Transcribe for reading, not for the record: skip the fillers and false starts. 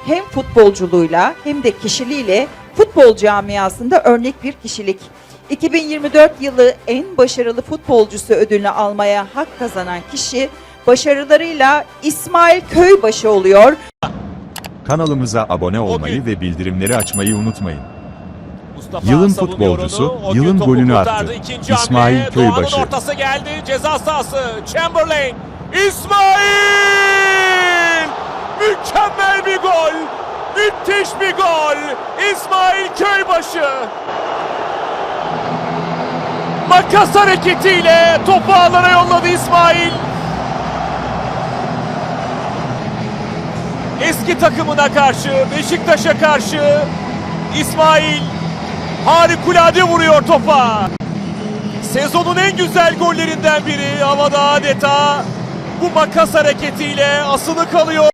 hem futbolculuğuyla hem de kişiliğiyle futbol camiasında örnek bir kişilik. 2024 yılı en başarılı futbolcusu ödülünü almaya hak kazanan kişi başarılarıyla İsmail Köybaşı oluyor. Kanalımıza abone olmayı ve bildirimleri açmayı unutmayın. Mustafa Yılın savunuyor futbolcusu, onu. O gün yılın topu golünü kurtardı. attı. İkinci İsmail hamle, Köybaşı. Doğan'ın ortası geldi. Ceza sahası. Chamberlain. İsmail! Mükemmel bir gol. Müthiş bir gol. İsmail Köybaşı. Makas hareketiyle topu ağlara yolladı İsmail. Eski takımına karşı, Beşiktaş'a karşı İsmail harikulade vuruyor topa. Sezonun en güzel gollerinden biri, havada adeta bu makas hareketiyle asılı kalıyor.